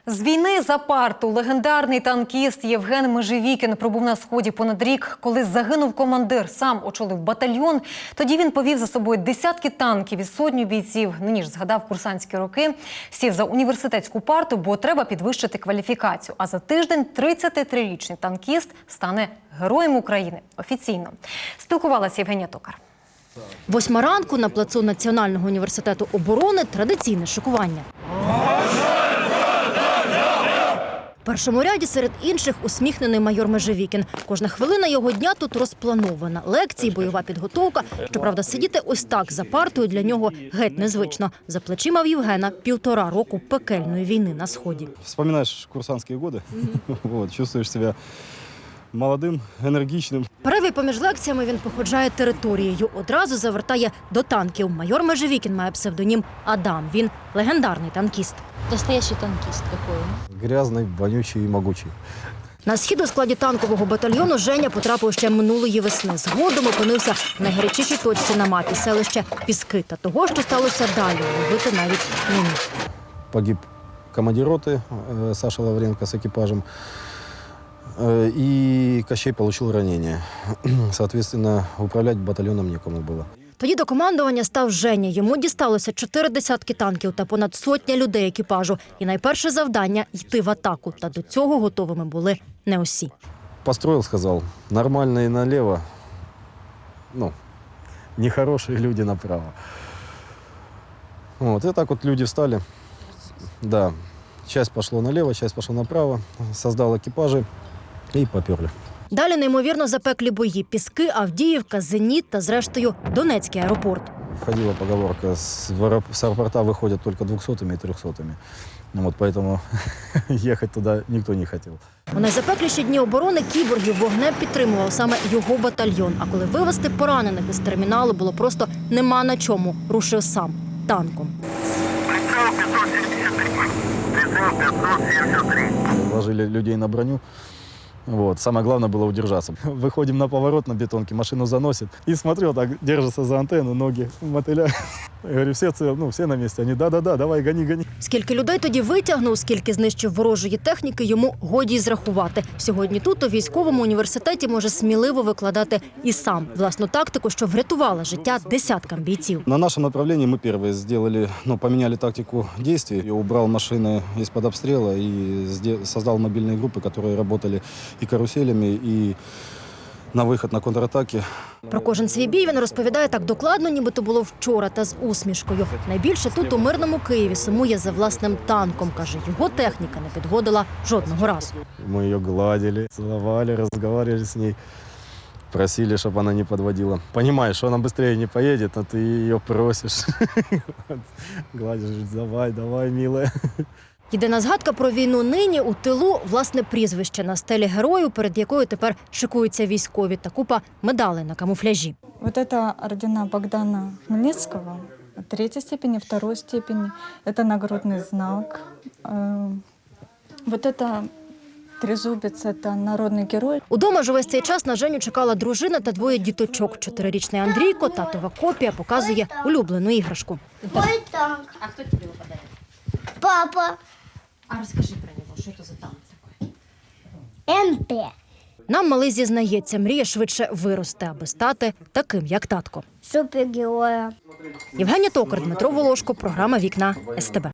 З війни за парту легендарний танкіст Євген Межевікін пробув на Сході понад рік. Коли загинув командир, сам очолив батальйон. Тоді він повів за собою десятки танків і сотню бійців. Нині ж згадав курсантські роки. Сів за університетську парту, бо треба підвищити кваліфікацію. А за тиждень 33-річний танкіст стане Героєм України. Офіційно. Спілкувалася Євгенія Токар. 8 ранку на плацу Національного університету оборони традиційне шикування. В першому ряді серед інших усміхнений майор Межевікін. Кожна хвилина його дня тут розпланована. Лекції, бойова підготовка. Щоправда, сидіти ось так за партою для нього геть незвично. За плечима в Євгена 1,5 року пекельної війни на Сході. Вспоминаєш курсантські роки, чувствуєш себе молодим, енергічним. Перерві поміж лекціями він походжає територією. Одразу завертає до танків. Майор Межевікін має псевдонім Адам. Він легендарний танкіст. Настоящий танкист какой? Грязний, вонючий і могучий. На схід у складі танкового батальйону Женя потрапив ще минулої весни. Згодом опинився в найгарячішій точці на мапі – селище Піски. Та того, що сталося далі, уявити навіть не міг. Погиб командир роти Саша Лавренко з екіпажем. И Кощей получил ранение. Соответственно, управлять батальоном некому было. Тоді до командування став Женя. Йому дісталося 4 десятки танків та понад 100 людей екіпажу. І найперше завдання – йти в атаку. Та до цього готовими були не усі. Построил, сказал, нормальные налево, нехорошие люди направо. Вот, и так вот люди встали. Да, часть пошло налево, часть пошла направо. Создал экипажи. І поперли. Далі неймовірно запеклі бої. Піски, Авдіївка, Зеніт та, зрештою, Донецький аеропорт. Входила поговорка, с аэропорта выходят только 200-ми и 300-ми. Вот поэтому ехать туда никто не хотел. У найзапекліші дні оборони кіборгів вогнем підтримував саме його батальйон. А коли вивезти поранених із терміналу було просто нема на чому, рушив сам танком. Ложили людей на броню. Вот. Самое главное было удержаться. Выходим на поворот на бетонке, машину заносит. И смотрю, так держится за антенну, ноги мотыля. Я говорю, все на месте. Они, да-да-да, давай, гони. Скільки людей тоді витягнув, скільки знищив ворожої техніки, йому годі й зрахувати. Сьогодні тут, у військовому університеті, може сміливо викладати і сам власну тактику, що врятувала життя десяткам бійців. На нашем направлении мы первые сделали, поменяли тактику действий. Я убрал машины из-под обстрела и создал мобильные группы, которые работали и каруселями, и на вихід на контратаки. Про кожен свій бій він розповідає так докладно, ніби то було вчора, та з усмішкою. Найбільше тут, у мирному Києві, сумує за власним танком. Каже, його техніка не підводила жодного разу. Ми її гладили, цілували, розмовляли з нею. Просили, чтобы она не подводила. Понимаешь, что она быстрее не поедет, а ты ее просишь. Гладишь, давай, милая. Єдина згадка про війну нині у тилу – власне прізвище на стелі герою, перед якою тепер шикуються військові, та купа медалей на камуфляжі. Вот это ордена Богдана Хмельницкого, 3-й степени, 2-й степени. Это нагрудный знак. Вот это трезубец, это народний герой. Удома ж увесь цей час на Женю чекала дружина та 2 діточок. 4-річний Андрійко, татова копія, показує улюблену іграшку. Мой танк. А кто тебе его подарил? Папа. А расскажи про него, что это за танк такой? МП. Нам малий зізнається, мріє швидше вирости, аби стати таким, як татко. Супергероя. Євгенія Токар, Дмитро Волошко, програма «Вікна СТБ».